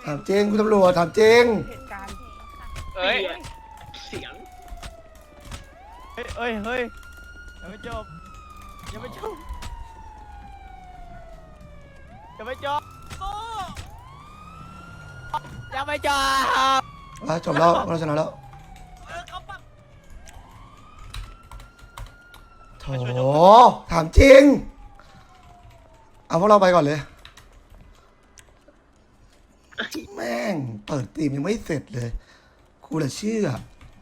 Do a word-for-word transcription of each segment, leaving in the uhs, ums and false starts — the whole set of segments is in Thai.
ถามจริงคุณตำรวจถามจริงเหตุการณ์เอ้ยเสียงเฮ้ยเฮ้ยเฮ้ยยังไม่จบยังไม่จบยังไม่จบยังไม่จบอ่ะจบแล้วเราชนะแล้วโถถามจริงเอาพวกเราไปก่อนเลยแม่งเปิดตีมยังไม่เสร็จเลยกูละเชื่อ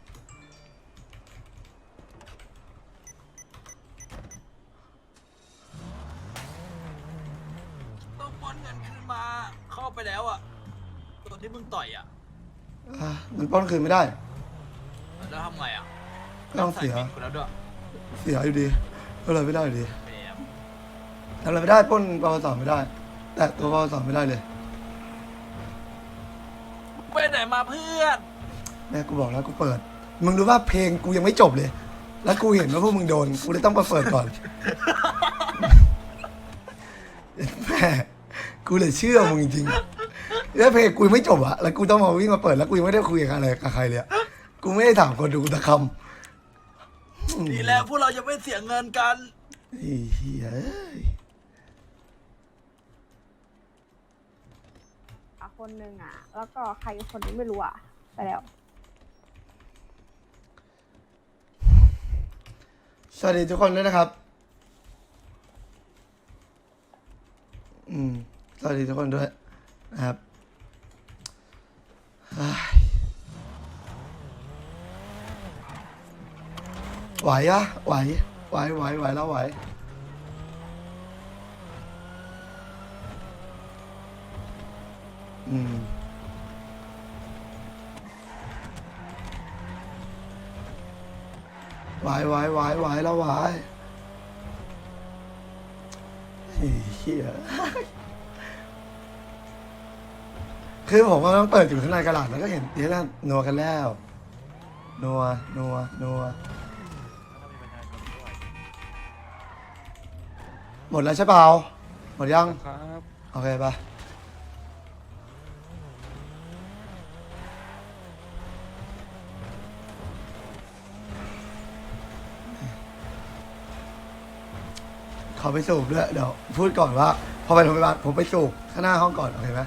ต้องป้อนเงินคืนมาเข้าไปแล้วอ่ะตัวที่มึงต่อยอ่ะอ่ะมันป้อนคืนไม่ได้แล้วทำไงอ่ะก็ต้องเสียใส่บินกูแล้วด้วยเสียอยู่ดีก็เลยไม่ได้อยู่ดีแหมทำอะไรไม่ได้ปล้นปวสไม่ได้ แต่ตัวปวสไม่ได้เลยไปไหนมาเพื่อนแม่กูบอกแล้วกูเปิดมึงรู้ว่าเพลงกูยังไม่จบเลย แล้วกูเห็นว่าพวกมึงโดนกูเลยต้องมาเปิดก่อนแม่กูเลยเชื่อมึงจริงๆแล้วเพลงกูยังไม่จบอะแล้วกูต้องมาวิ่งมาเปิดแล้วกูยังไม่ได้คุยกับอะไรกับใครเลยกูไม่ได้ถามคนดูตะคำดีแล้วพวกเราจะไม่เสียเงินกันไอ้เหี้ยคนหนึ่งอ่ะแล้วก็ใครคนนี้ไม่รู้อ่ะไปแล้วสวัสดีทุกคนด้วยนะครับอืมสวัสดีทุกคนด้วยนะครับไหวอะไหวไหวไหวไหวแล้วไหวอืมไหวไหวไหวไหวแล้วไหวเฮียคือผมก็ต้องเปิดอยู่ข้างในกระดาษแล้วก็เห็นเดี๋ยวนั่นนัวกันแล้วนัวนัวนัวหมดแล้วใช่เปล่าหมดยังครับโอเคปะเขาไปสูบด้วยเดี๋ยวพูดก่อนว่าพอไปโรงพยาบาลผมไปสูบข้างหน้าห้องก่อนโอเคไหม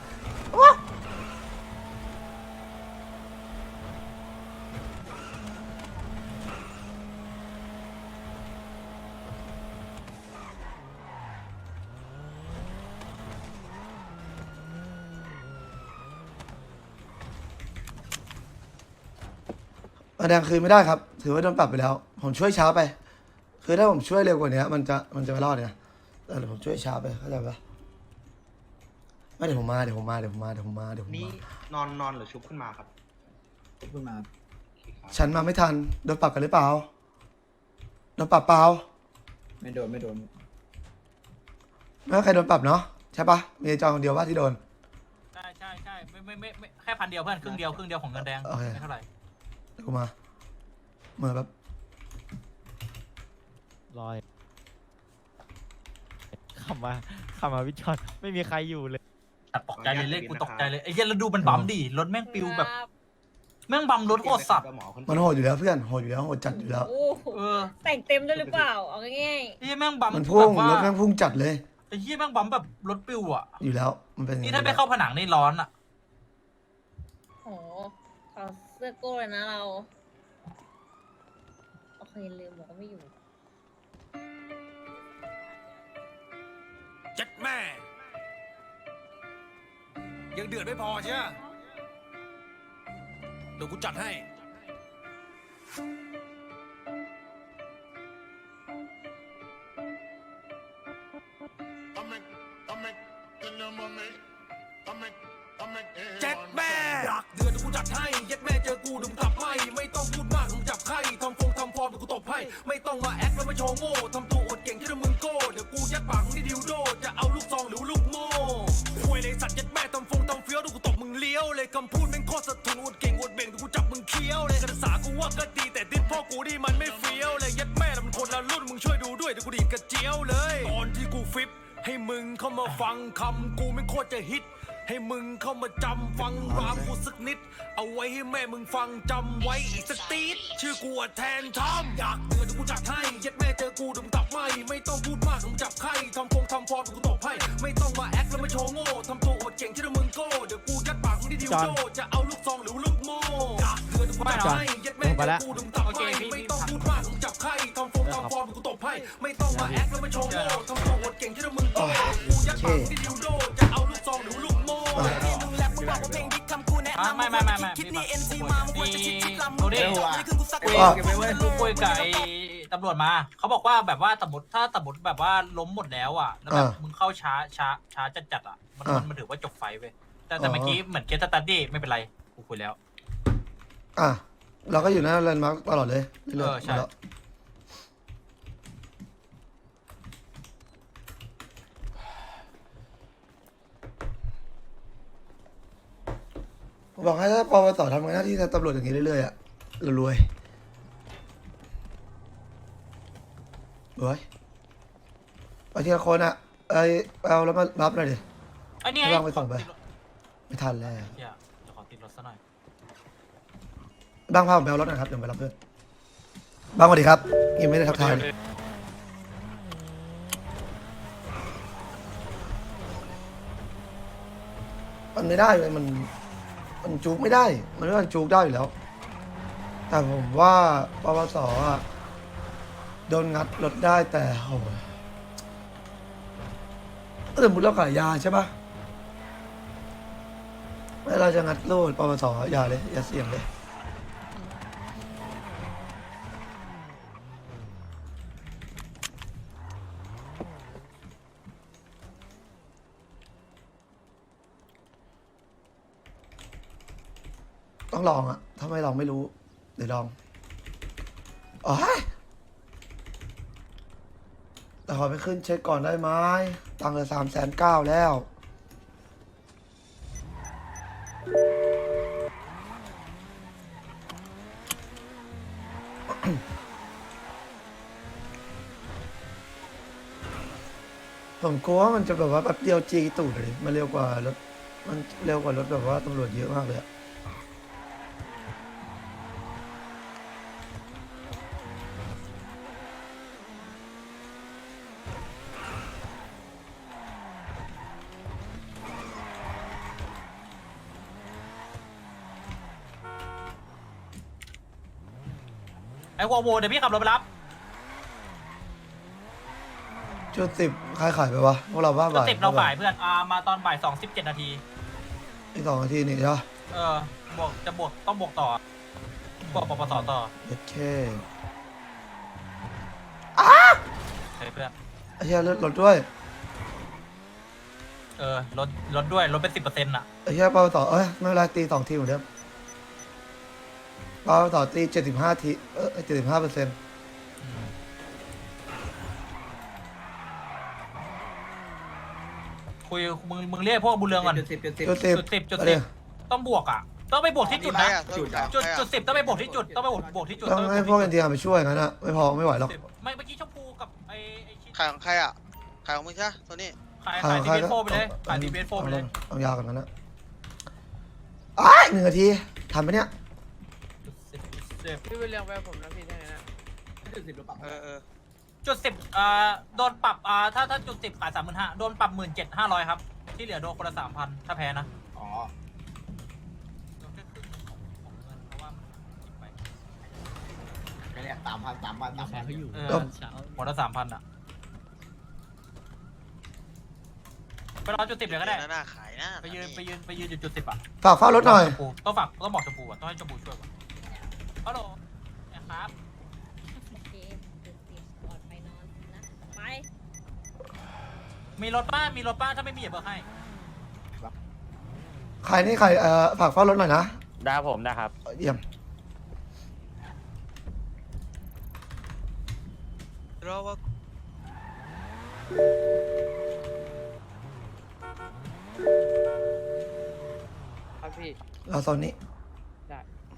มาแดงคืนไม่ได้ครับถือว่าโดนปรับไปแล้วผมช่วยช้าไปคือถ้าผมช่วยเร็วกว่านี้มันจะมันจะไม่รอดเนี่ยแต่เดี๋ยวผมช่วยช้าไปเข้าใจปะไม่เดี๋ยวผมมาเดี๋ยวผมมาเดี๋ยวผมมาเดี๋ยวผมมาเดี๋ยวผมนี่มานอนนอนหรือชุบขึ้นมาครับขึ้นมาฉันมาไม่ทันโดนปรับกันหรือเปล่าโดนปรับเปล่าไม่โดนไม่โดนไม่ว่าใครโดนปรับเนาะใช่ปะมีไอ้จอยคนเดียวว่าที่โดนใช่ใช่ใช่ไม่ไม่ไม่ไม่แค่พันเดียวเพื่อนครึ่งเดียวครึ่งเดียวของเงินแดงโอเคไม่เท่าไหร่เดี๋ยวกูมาเหมือนแบบลอยขับมาขับมาวิจอนไม่มีใครอยู่เลยตัดตกใจเลยเลขกูตกใจเลยไอ้เหี้ยแล้วดูมันบัมดิรถแม่งปิวแบบแม่งบัมรถโคตรสัตว์มันโหดอยู่แล้วเพื่อนโหดอยู่แล้วโหดจัดอยู่แล้วโอ้เออแต่งเต็มด้วยหรือเปล่า เอาง่ายไอ้เหี้ยแม่งบัมมันพุ่งแบบว่ารถแม่งพุ่งจัดเลยไอ้เหี้ยแม่งบัมแบบรถปิวอ่ะอยู่แล้วมันเป็นอย่างนี่นี้ถ้าไปเข้าผนังนี่ร้อนอ่ะๆโหขอเสื้อโก้เลยนะเรา โอเคลืมบอกว่าไม่อยู่เจ็ดแม่ ยังเดือดไม่พอใช่ไหมเดี๋ยวกูจัดให้ เจ็ดแม่ดักเดือดเดี๋ยวกูจัดให้เย็ดแม่เจอกูดึงกลับไม่ไม่ต้องพูดมากมึงจับไข้ทำฟงทำฟอร์มเดี๋ยวกูตบให้ไม่ต้องมาแอคแล้วมาโชว์โง่ทำตัวอวดเก่งที่มึงโก้เดี๋ยวกูยัดปากมึงที่ดิวโดจะเอาลูกซองหรือลูกโม่ควยเลยสัตว์เย็ดแม่ทำฟงทำเฟี้ยวเดี๋ยวกูตบมึงเลี้ยวเลยคำพูดแม่งโคตรสะทุนอวดเก่งอวดเบ่งเดี๋ยวกูจับมึงเคี้ยวเลยการศึกษากูว่าก็ดีแต่ติดพ่อกูนี่มันไม่เฟี้ยวเลยเย็ดแม่มันคนละรุ่นมึงช่วยดูด้วยเดี๋ยวกูดีดกระเจียวเลยตอนที่กูฟิปให้มึงเข้ามาฟังคำกูแม่งโคตรจะฮิตให้มึงเข้ามาจำฟังรามกูสักนิด เอาไว้ให้แม่มึงฟังจำไว้อีกสักตีดชื่อกูอะแทนทอมอยากเตือนกูจัดให้ยัดแม่เจอกูดึงตับไม่ไม่ต้องพูดมากมึงจับไข้ทำฟงทำฟอร์มกูตบให้ไม่ต้องมาแอคแล้วมาโชว์โง่ทำตัวอวดเก่งที่มึงโก้เดี๋ยวกูยัดปากมึงที่ดิวโดจะเอาลูกซองหรือลูกโม่อยากเตือนกูจัดให้ยัดแม่เจอกูดึงตับไม่ไม่ต้องพูดมากมึงจับไข้ทำฟงทำฟอร์มกูตบให้ไม่ต้องมาแอคแล้วมาโชว์โง่ทำตัวอวดเก่งที่มึงโก้กูยัดปากมึงที่ดิวโดจะเอาลูกซองหรือลูกโม่มึงแรปมึงบอกว่าเพลงดิคำกูแนะนำไม่ไม่ไม่ไม่คิดนี่เอ็นซีมามึงควรจะคิดคิดลำมึงเด็กนี่คือกูสักคุยกูคุยกับไอ้ตำรวจมาเขาบอกว่าแบบว่าสมมติถ้าสมมติแบบว่าล้มหมดแล้วอ่ะแล้วแบบมึงเข้าช้าช้าช้าจัดจัดอ่ะมันมันถือว่าจบไฟเว้ยแต่แต่เมื่อกี้เหมือนเคสสตัดดี้ไม่เป็นไรกูคุยแล้วอ่ะเราก็อยู่หน้าแลนด์มาร์คตลอดเลยเรื่อยเออๆใช่มาแล้วบอกให้ถ้าปวสทำงานหน้าที่ตำรวจอย่างนี้เรื่อยๆอ่ะเรารวยรวยไปทีละคนอ่ะไอเอาแล้วมารับหน่อยดิไอ้นี่ไม่ต้องไปส่งไป ไม่ทันแล้วเดี๋ยวขอติดรถซะหน่อยบ้างพาผมไปเอารถหนะครับเดี๋ยวไปรับเพื่อนบ้างสวัสดีครับยังไม่ได้ทักทายเลยมันไม่ได้เลยมันมันจูกไม่ได้ มันไม่มันจูกได้อยู่แล้ว แต่ผมว่าปวสอ่ะโดนงัดรถได้แต่โหสมมติเราขายยาใช่ปะเวลาจะงัดรูดปวสอย่าเลยอย่าเสี่ยงเลยต้องลองอะถ้าไม่ลองไม่รู้ เดี๋ยวลองอ๋อแต่ขอไปขึ้นเช็คก่อนได้ไหมตังค์เหลือสามแสนเก้าแล้ว ผมกลัวว่ามันจะแบบว่าแบบเดียวจีตูดเลยมันเร็วกว่ารถมันเร็วกว่ารถแบบว่าตำรวจเยอะมากเลยอะไอ้วอลโวเดี๋ยวพี่ขับรถไปรับชุดสิบใครขายไปวะพวกเราบ้าก็บ่ายติดเราบ่ายเพื่อนอ่ามาตอนบ่ายสองสิบเจ็ดนาทีอีกสองนาทีนี่ใช่ปะเออบวกจะบวกต้องบวกต่อบวกปปสต่อโอเคเฮ้ยเพื่อนไอ้เหี้ยรถรถด้วยเออลดลดด้วยลดเป็นสิบเปอร์เซ็นต์อ่ะไอ้เหี้ยเปาต่อเอ้ยไม่เป็นไรตีสองทีเหมือนเดิมเปาต่อตีเจ็ดสิบห้าทีเออเจ็ดสิบห้าเปอร์เซ็นต์คุยมึงมึงเรียกพวกบุญเรืองก่อนจุดสิบจุดสิบจุดสิบจุดสิบจุดไปสิเลบยต้องบวกอ่ะ ต้องไปบวกที่จุดนะจุดจุดจุดสิบต้องไปบวกที่จุดต้องไปบวกบวกที่จุดต้องให้พวกเอ็นทีอาร์ไปช่วยงั้นอะไม่พอไม่ไหวหรอกไม่เมื่อกี้ชมพูกับไอ้ไอ้ชิ้นขายของใครอ่ะ ขายของมึงใช่ไหมโทนี่ขายขายทีเบสโฟไปเลยขายทีเบสโฟไปเลยเอายาวกันนั้นนะอ้ายหนึ่งนาทีทันไหมเนี่ยพี่ไปเรียงไปผมนะพี่ได้ไงนะจุดสิบหรือเปล่าเออเออจุดสิบอ่าโดนปรับอ่าถ้าถ้าจุดสิบขายสามหมื่นห้าโดนปรับหมื่นเจ็ดห้าร้อยครับที่เหลือโดนคนละสามพันถ้าแพ้นะอ๋อ ไม่เนี่ยสามพันสามพันสามพันเขาอยู่เออคนละสามพันอ่ะไปรอจุดสิบเลยก็ได้ดี๋วน่าขายนะไปยืนไปยืนไปยืนจุดจุดสิบอ่ะฝากเฝ้ารถหน่อยชมพูต้องฝากต้องบอกชมพูอ่ะต้องให้ชมพูช่วยก่อนฮัลโหลนะครับโอเคเดี๋ยวเตรียมก่อนไปนอนนะ ไปมีรถป้ามีรถป้าถ้าไม่มีอย่าเบิกให้ใครนี่ใครเอ่อฝากเฝ้ารถหน่อยนะได้ผมนะครับเยี่ยมรอว่าครับพี่เราโซนนี้ได้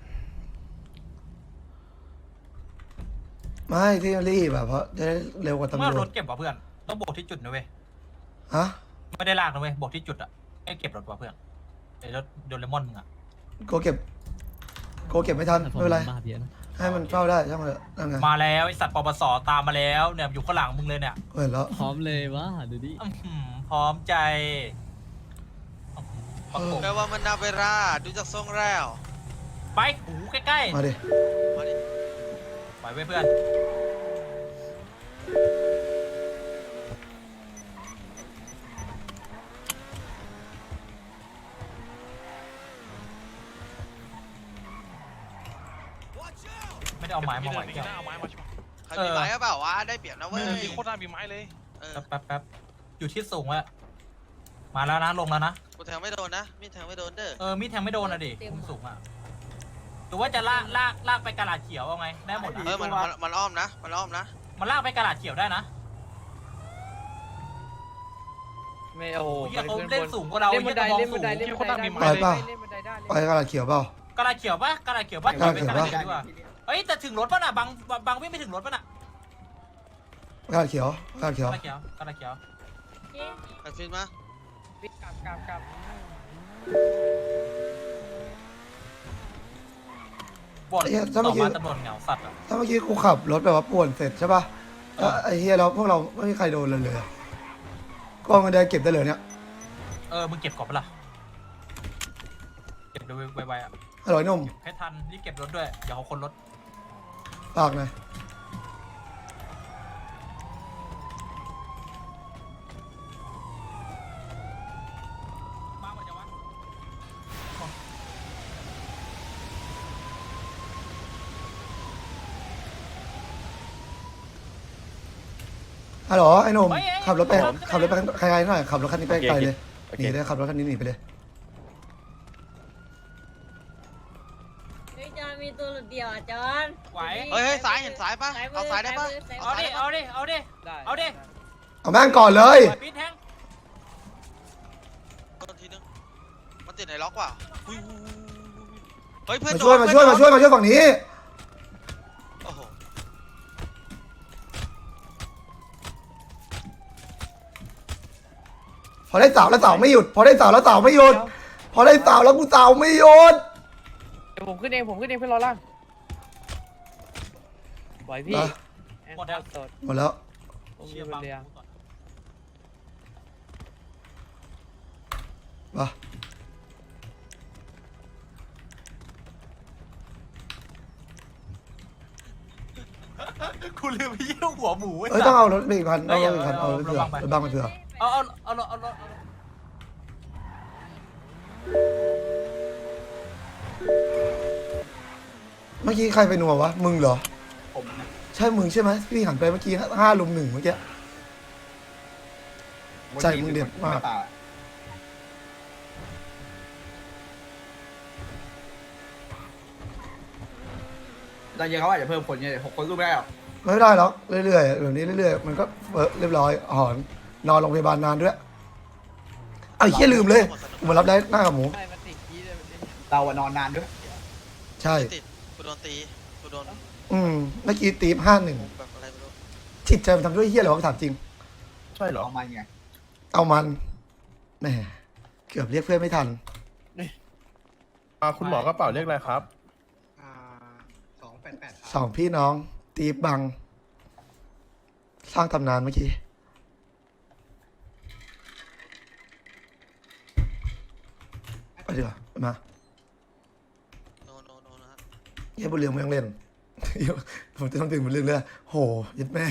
ไม่ที่รีบแบบเพราะจะได้เร็วกว่าตำรเมื่อรวจถเก็บว่ะเพื่อนต้องบวกที่จุดนะเว้ยฮะไม่ได้ลากนะเว้ยบวกที่จุดอ่ะไอ้เก็บรถว่ะเพื่อนไอ้รถโดเรมอนมึงอะโกเก็บโกเก็บไม่ทันไม่เป็นไรให้มันเฝ้าได้ช่างมันเถอะนั่นไงมาแล้วไอ้สัตว์ปปสตามมาแล้วเนี่ยอยู่ข้างหลังมึงเลยเนี่ยเห็นแล้วพร้อมเลยว่าดูดิอื้อหือพร้อมใจประกบแปลว่ามันนาเวราดูจากทรงแล้วไปหูใกล้มาดิมาดิๆไปไว้เพื่อนไม่ได้เอาไม้มาไหวแก้วใครมีไม้หรือเปล่าวะได้เปรียบนะเว้ยมีโคตรน่ามีไม้เลยเออแป๊บแป๊บอยู่ที่สูงแล้วมาแล้วนะลงแล้วนะกูแทงไม่โดนนะมีดแทงไม่โดนเด้อเออมีดแทงไม่โดนอะดิมุมสูงอะหรือว่าจะลากลากลากไปกระดาษเขียวเอาไงได้หมดอะเออมันมันมันอ้อมนะมันอ้อมนะมันลากไปกระดาษเขียวได้นะไม่โอ้โหโอ้ยเขาเล่นสูงกว่าเราเล่นบันไดหี้เล่ยนมองบันไดสูงเล่นมีบัคนไดน่ามีไม้ได้ไปเปล่าเล่นบันไดได้ไปกระดาษเขียวเปล่ากระดาษเขียวปะกระดาษเขียวปะกระดาษเขียวปะไปกระดาษเขียวดีกว่าเอ้ยแต่ถึงรถป่ะน่ะบางบางวิ่งไปถึงรถป่ะน่ะกระดาษเขียวกระดาษเขีกยวระดาษเขียวกระดาษเขียวไอ้ฟินมาวิ่งกลับกลับกลับบอดต่อมาตำรวจเหงาสัตว์อะถ้าเมื่อกี้กูขับรถแบบว่าป่วนเสร็จใช่ป่ะแล้วไอ้เฮียแล้วพวกเราไม่มีใครโดนเลยเลยก็เอาเงินเดือนเก็บได้เลยเนี่ยเออมึงเก็บก่อนปะล่ะเก็บดูไวๆอ่ะอร่อยนุ่มให้ทันรีบเก็บรถด้วยอย่าเอาคนรถฝากหน่อยมากกว่าจะวะฮัลโหลไอ้หนุ่มขับรถไปขับรถไปไกลๆหน่อยขับรถคันนี้ไปไกลเลยหนีเลยขับรถคันนี้หนีไปเลยเฮ้ยจอนมีตัวหลุดเดียวอ่ะจอนไหวเฮ้ยเฮ้ยซ้ายเห็นซ้ายปะเอาซ้ายได้ปะเอาดิเอาดิเอาดิได้เอาดิเอาแม่งก่อนเลยปีนแทงโดนทีนึงมันติดไหนล็อกว่ะอุ้ยเฮ้ยเพื่อนมาช่วยมาช่วยมาช่วยมาช่วยฝั่งนี้โอ้โหพอได้สาวแล้วสาวไม่หยุด พอได้สาวแล้วสาวไม่หยุด พอได้สาวแล้วกูสาวไม่หยุดเดี๋ยวผมขึ้นเองผมขึ้นเองเพื่อนรอล่างไหวพี่นะหมดแล้วสดหมดแล้วผมเชีอย ยู่ร์บบังนเรือมาคุณลืมไปเยี่ยวหัวหมูไอ้เอ้ยสัต้อตงว์เอารถไปอีกคันเอ้เอายรถอีกคันเอาเอารถเผื่อระวังไปรถบังไปเผื่อเอาเอาเอาเอาเอาเอาเมื่อกี้ใครไปนัววะ มึงเหรอผมนะใช่มึงใช่ไหมพี่หันไปเมื่อกี้ห้าลุมหนึ่งเมื่อกี้ ใจมึงเด็ดมากตอนเย็นเขาอาจจะเพิ่มคนเนี่ยหกคนสู้ไม่ได้หรอกไม่ได้หรอกเรื่อยๆแบบนี้เรื่อยๆมันก็เออเรียบร้อยหอนนอนโรงพยาบาลนานด้วยเอาเฮียลืมเลยกูมารับได้หน้ากับหมูใช่มันติดกี้เลยมันติดเราอะนอนนานด้วยใช่ติดกูโดนตีกูโดนอืมเมื่อกี้ตีห้าหนึ่งแบบอะไรไม่รู้จิตใจมันทำด้วยเฮียอะไรวะถามจริงใช่เหรอเอามาไงเอามันแหมเกือบเรียกเพื่อนไม่ทันคุณหมอกระเป๋าเรียกอะไรครับสองแปดแปดสองพี่น้อง ตีบัง สร้างตำนานเมื่อกี้ไปดีกว่ามาโนโนโนนะฮะเฮียบุญเรืองไม่ต้องเล่น ผมจะต้องตื่นบุญเรืองเลยโหยัดแม่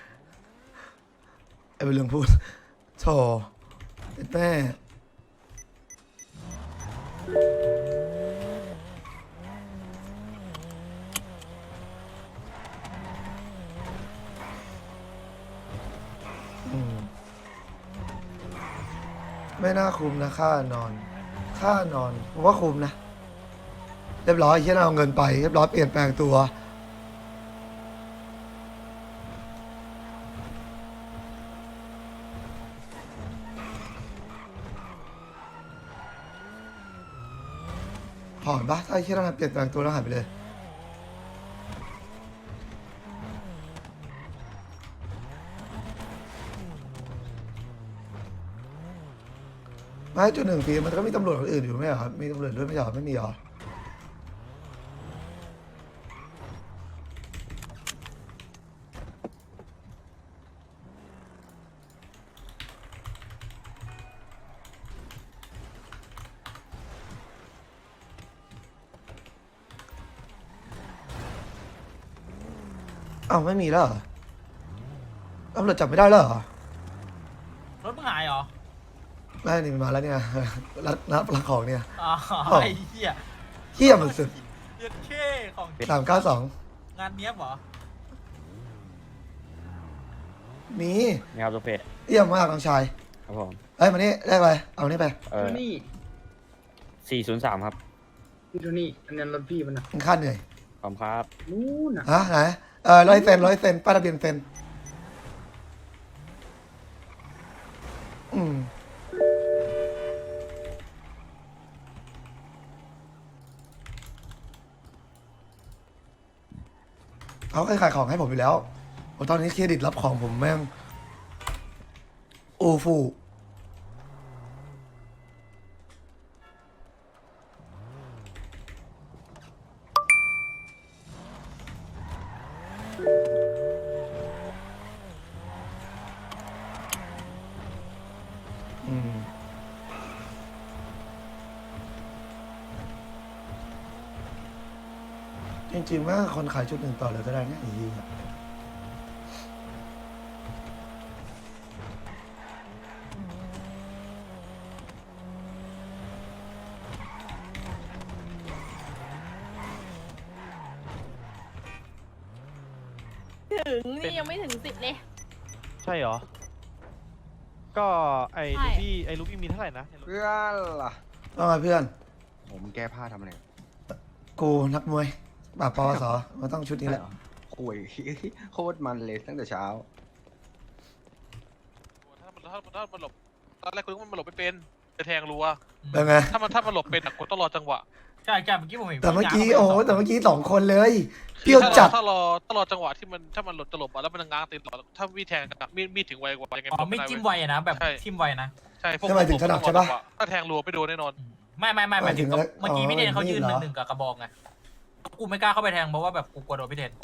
ไอ้บุญเรืองพูดโธ่ยัดแม่อืมไม่น่าคุมนะค่านอน ค่านอนผมว่าคุมนะ เรียบร้อยเฮียเอาเงินไปเรียบร้อยเปลี่ยนแปลงตัวหอนปะถ้าเฮียเราเปลี่ยนแปลงตัวแล้วหายไปเลยไม่จุดหนึ่งปีมันก็มีตำรวจคนอื่นอยู่ไม่เหรอครับมีตำรวจด้วยไม่ใช่เหรอไม่มีเหรออ้าวไม่มีแล้วเหรอตำรวจจับไม่ได้แล้วเหรอรถมึงหายเหรอได้นี่มันมาแล้วเนี่ย รับรับรับของเนี่ยอ๋ออ๋อไอ้เหี้ยเที่ยมสุดเหี้ยเท่ของสามเก้าสองงานเนี้ยบเหรอมีนี่ครับโซเฟเยี่ยมมากน้องชายครับผมเอ้ยมานี่ได้ไปเอานี่ไปเออนี่สี่ศูนย์สามครับพี่โทนี่อันนั้นรถพี่มันนะมึงค่าเหนื่อยขอบคุณครับนู่นน่ะฮะไหนเออร้อยเซนร้อยเซนป้ายทะเบียนเซนอืมเขาเคยขายของให้ผมอยู่แล้วโอ้ตอนนี้เครดิตรับของผมแม่งโอ้ฟูอืมจริงๆว่าคนขายชุดหนึ่งต่อเลยก็ได้นะไอ้เหี้ยถึงนี่ยังไม่ถึงสิบเลยใช่เหรอ ก็ไอ้ใช่ลูบี้ไอ้ลูบี้มีเท่าไหร่นะเพื่อนล่ะว่าไงเพื่อนผมแก้ผ้าทำอะไรกูนักมวยปราบปวสมันต้องชุดนี้แหละคุย โคตรมันเลยตั้งแต่เช้าถ้ามันถ้ามันถ้ามันหลบตอนแรกคุณมันหลบไม่เป็นจะแทงรัวเป็นไงถ้ามันถ้ามันหลบเป็นอะคุณต้องรอจังหวะใช่ใช่เมื่อกี้ผมเห็นแต่เมื่อกี้พี่โอ้ง้างโหเข้าไปแต่เมื่อกี้สองคนเลยเปรี้ยวถ้าจัดถ้ารอถ้ารอจังหวะที่มันถ้ามันหลบจะหลบอะแล้วมันง้างตีนต่อถ้ามีดแทงอะมีดมีดถึงไวกว่ายังไงอ๋อไม่จิ้มไวอะนะแบบใช่ทิมไวนะใช่พวกทำไมถึงถนัดใช่ปะถ้าแทงรัวไม่โดนแน่นอนไม่ไม่ไม่หมายถึงหมายถึงเมื่อกี้พี่เทนเขายืนอ๋หอนึ่งหนึ่งกับกระบอกไงกูไม่กล้าเข้าไปแทงเพราะว่าแบบกูกลัวโดนพี่เทน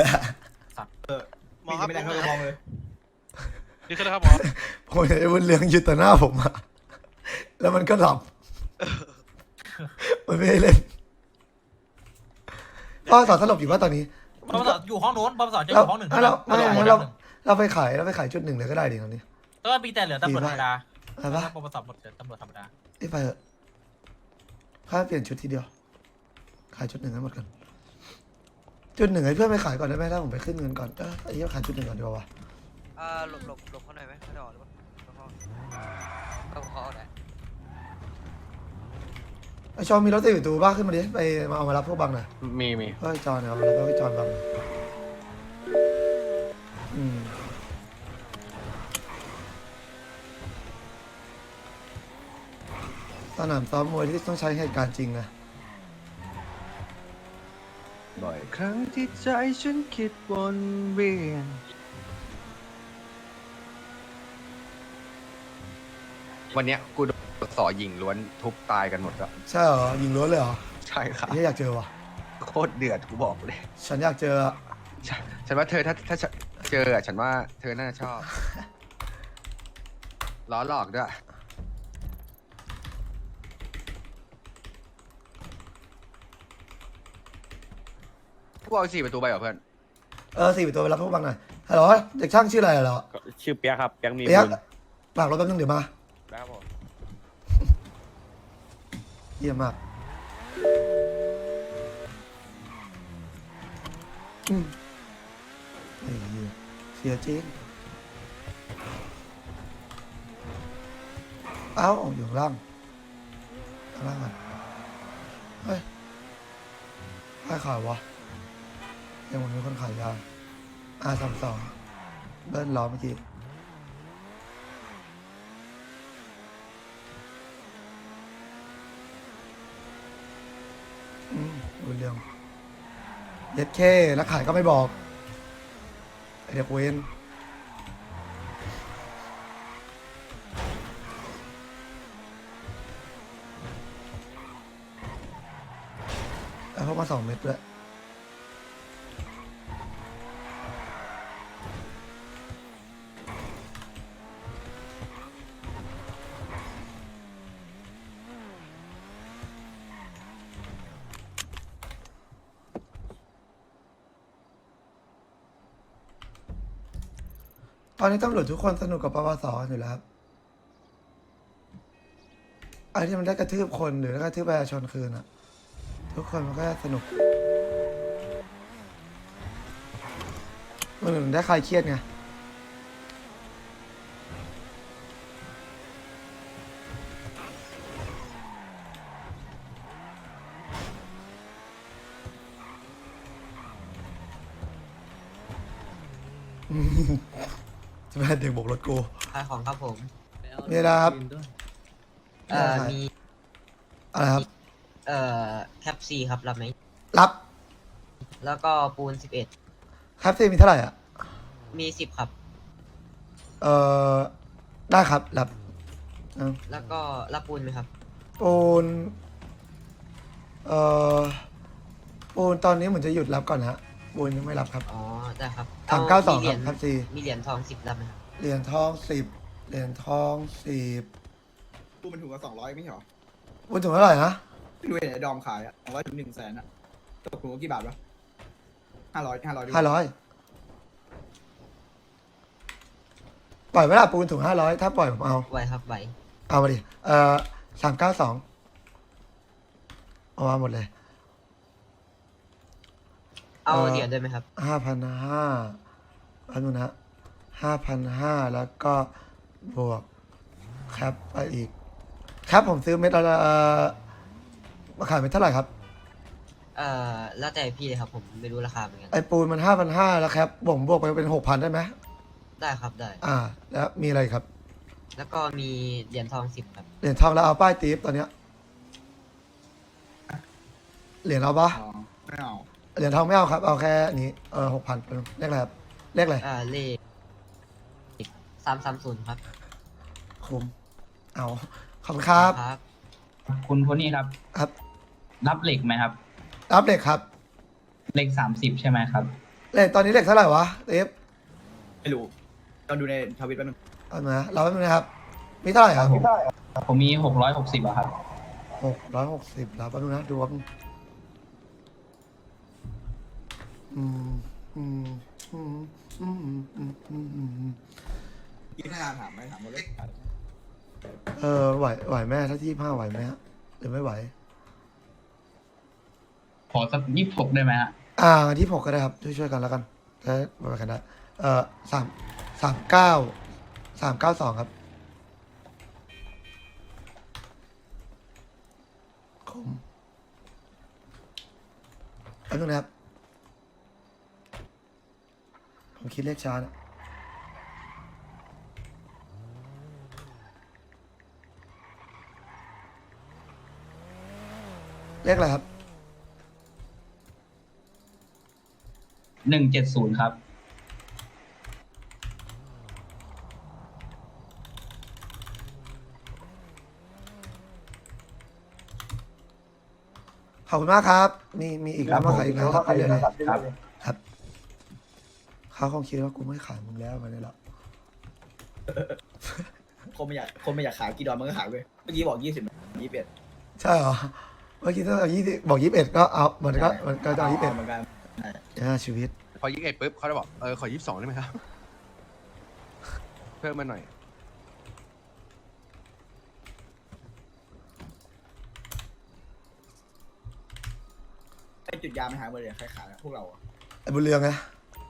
หมอพี่ครับไม่ได้เข้ากระบองเลยนี่คือนะครับหมอผมเห็นไอ้บุญเรืองยืนต่อหน้าผมอะแล้วมันก็หลับมันไม่ได้เล่นพ่อสอนสลบอยู่ว่าตอนนี้บอมสอนอยู่ห้องโน้นบอมสอนจะอเรายู่ห้องหนึ่งเราไม่อยู่ห้ไม่องหเรานึ่งเราไปขายเราไปขายชุดหนึ่งเลยก็ได้ดิตอนนี้แล้วก็มีแต่เหลือตำรวจธรรมดาอะไรปะบอมสอนหมดเหลือตำรวจธรรมดานี่ไปเถอะข้าเปลี่ยนชุดทีเดียว ขายชุดหนึ่งให้หมดกันชุดหนึ่งให้เพื่อนไปขายก่อนได้ไหมถ้าผมไปขึ้นเงินก่อนเออไอ้เหี้ยขายชุดหนึ่งก่อนดีกว่าวะอ่าหลบหลบหลบเขาหน่อยไหมเขาจะออกหรือเปล่าเขาเขาเขาเอาไหนไอชอนมีรถติดอยู่ตูบ้าขึ้นมาดิไปมาเอามารับพวกบังหน่อยมีมีเฮ้ยจอนเนี่ยเอามารับพวกจอนบังหน่อยอืมสนามซ้อมมวยที่ต้องใช้เหตุการณ์จริงนะบ่อยครั้งที่ใจฉันคิดวนเวียน วันเนี้ยกูโดนสอหญิงล้วนทุบตายกันหมดแล้วใช่เหรอยิงล้วนเลยเหรอใช่ครับไอ้เหี้ยอยากเจอว่ะโคตรเดือดกูบอกเลยฉันอยากเจออะฉันฉันว่าเธอถ้าถ้าเจออะฉันว่าเธอน่าจะชอบ ล้อหลอกด้วย พวกเอาสี่ประตูไปเหรอเพื่อนเออสี่ประตูไปรับพวกบังหน่อยฮัลโหลเด็กช่างชื่ออะไรเหรอชื่อเปียกครับเปียกมีเปียกบุญฝากรถแป๊บนึงเดี๋ยวมาครับผมเยี่ยมมากอืมไอ้เหี้ยเสียจริงเอ้าอยู่ข้างล่างข้างล่างก่อนเฮ้ยใครขายวะยังมันมีคนขายยาอาสามสองเบิ้ลล้อเมื่อกี้อืมดูเรื่องเย็ดเคแล้วขายก็ไม่บอกไอเด็กเวนมาสองเม็ดด้วยตอนนี้ตำรวจทุกคนสนุกกับปปสอยู่แล้วครับไอ้ที่มันได้กระทืบคนหรือได้กระทืบประชาชนคืนอะทุกคนมันก็สนุกมันเหมือนได้คลายเครียดไงอืมจะเป็นเด็กบกรถกูขายของครับผมมีอะไรครับเอ่อมีอะไรครับเอ่อแคปซีครับรับไหมรับแล้วก็ปูนสิบเอ็ดครับซีมีเท่าไหร่อ่ะมีสิบครับเอ่อ ได้ครับ รับเอาแล้วก็รับปูนไหมครับปูน เอ่อ ปูนตอนนี้เหมือนจะหยุดรับก่อนฮะ ปูนยังไม่รับครับอ๋อได้ครับสามเก้าสองมีเหรียญครับซีมีเหรียญทองสิบรับไหมครับเหรียญทองสิบเหรียญทองสิบปูมันถูกกับสองร้อยไม่ใช่หรอปูนถึงเท่าไหร่นะดูเห็นไอ้ดอมขายอ่ะสองร้อยถึงหนึ่งแสนอ่ะตกถุงละกี่บาทวะห้าร้อยห้าร้อยห้าร้อยปล่อยเวลาปูนถึงห้าร้อยถ้าปล่อยผมเอาไหวครับไหวเอามาดิ เอ่อสามเก้าสองเอามาหมดเลยเอาเอ่อเหรียญด้วยไหมครับห้าพันห้าอันนู้นนะห้าพันห้าแล้วก็บวกแคปไปอีก แคปผมซื้อเม็ดละเอ่อมาขายเม็ดเท่าไหร่ครับเอ่อแล้วแต่พี่เลยครับผมไม่รู้ราคาเหมือนกันไอปูนมันห้าพันห้าแล้วแคปผมบวกไปเป็นหกพันได้ไหมได้ครับได้อ่า แล้วมีอะไรครับแล้วก็มีเหรียญทองสิบครับเหรียญทองแล้วเอาป้ายตีฟตอนเนี้ยเหรียญเอาปะอ๋อไม่เอาเหรียญทองไม่เอาครับ เอาแค่นี้เออหกพันเลขอะไรครับเลขอะไรเอ่อเลขสามสามศูนย์ครับคุ้มเอาขอบคุณครับครับคุณโพนี่ครับครับรับเหล็กไหมครับรับเหล็กครับเหล็กสามสิบใช่ไหมครับเหล็กตอนนี้เหล็กเท่าไหร่วะตีฟไม่รู้ตอนดูในทวิตแป๊บนึงเอามาเราไม่เป็นไรครับ มีเท่าไหร่ครับผมมีหกร้อยหกสิบอะครับหกร้อยหกสิบแล้วแป๊บนึงนะดูว่าอืมอืมอืมอืมอืมอืมอืมอืมยี่ห้าถามไหมถามหมดเลยเออไหวไหวแม่ถ้าที่ผ้าไหวไหมฮะหรือไม่ไหวขอสักยี่สิบหกได้ไหมฮะอ่าที่ผมก็ได้ครับช่วยช่วยๆกันแล้วกันจะได้ไปกันได้เออสามสามเก้าสามเก้าสองครับคมแป๊บนึงนะครับผมคิดเลขช้านะเลขอะไรครับหนึ่งเจ็ดศูนย์ครับขอบคุณมากครับ มีมีอีกแล้วมาขายอีกแล้วครับเรื่อยๆครับครับเขาคงคิดว่ากูไม่ขายมึงแล้วมันนี่แหละคนไม่อยากคนไม่อยากขายกี่ดอมมันก็ขายเว้ยเมื่อกี้บอกยี่สิบยี่สิบเอ็ดใช่เหรอ เมื่อกี้ถ้าเอายี่สิบบอกยี่สิบเอ็ดก็เอามันก็มันก็จะเอายี่สิบเอ็ดเหมือนกันอ่าชีวิตพอยี่สิบเอ็ดปุ๊บเขาจะบอก เออ ขอยี่สิบสองได้ไหมครับ เพิ่มมาหน่อยไอ้จุดยาไม่หายหมดเลยใครขายอะพวกเราอะไอ้บุญเรืองไง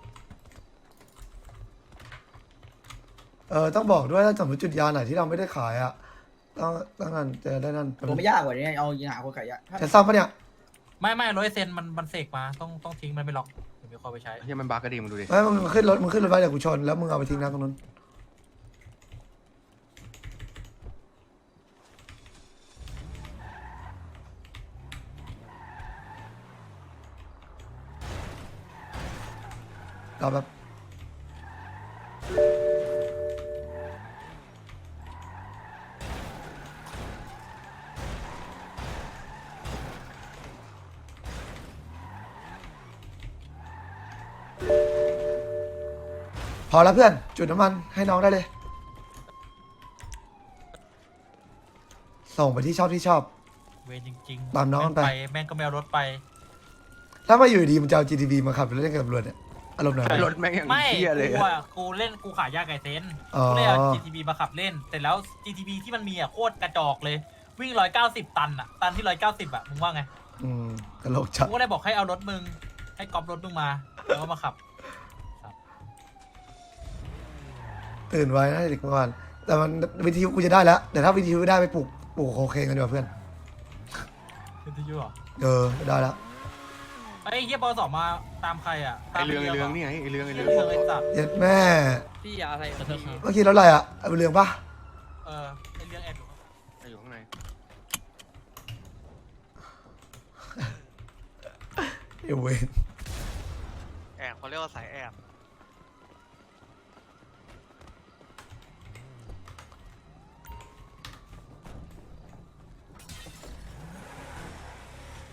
เออต้องบอกด้วยถ้าสมมติจุดยาไหนที่เราไม่ได้ขายอ่ะต้องต้องนั่นจะได้นั่นผมไม่ยากกว่านี้เอายิงหาคนขายยากจะซ่อมปะเนี่ยไม่ไม่ร้อยเซนมันมันเสกมาต้องต้องทิ้งมันไปล็อกเดี๋ยวมีคนไปใช้เฮียมันบาร์กระดิ่งมึงดูดิไม่มึงขึ้นรถมึงขึ้นรถไว้เดี๋ยวกูชนแล้วมึงเอาไปทิ้งน้ำตรงนั้นรอแบบอแล้วเพื่อนจุดน้ำมันให้น้องได้เลย ส่งไปที่ชอบที่ชอบเวรจริงตามน้องแม่ไปแม่งก็ไม่เอารถไปถ้ามาอยู่ดีมันจะเอา จี ที บี มาขับเล่นกับตำรวจเนี่ยอารมณ์ไหนรถแม่งอย่างไม่เที่ยเลยกูอะอ่ะกูเล่นกูขายยาไก่เซนอ๋อกูเลยเอา จี ที บี มาขับเล่นแต่แล้ว จี ที บี ที่มันมีอ่ะโคตรกระจอกเลย วิ่งร้อยเก้าสิบตันอ่ะตันที่ร้อยเก้าสิบอ่ะมึงว่าไงอืมตลกจัดกูก็เลยบอกให้เอารถมึงให้ก๊อปรถมึงมาแล้วก็มาขับตื่นไว้นะเด็กเมื่อวานแต่มันวิทยุกูจะได้แล้วแต่ถ้าวิทยุไม่ได้ไปปลูกปลูกโคเคนกันดีกว่าเพื่อนวิทยุเหรอเออได้แล้วไอ้เฮียบอสอมาตามใครอ่ะไอเรืองไอเรืองนี่ไงไอเรืองไอเรืเรืออง งไอ้สัตว์เย็ดแม่พี่ยาอะไรของพี่เมื่อกี้รถอะไรอ่ะเอาไปเรืองปะเออไอ้เรื่องแอบอยู่อยู่ข้างในเอเวนแอบเขาเรียกว่าสายแอบ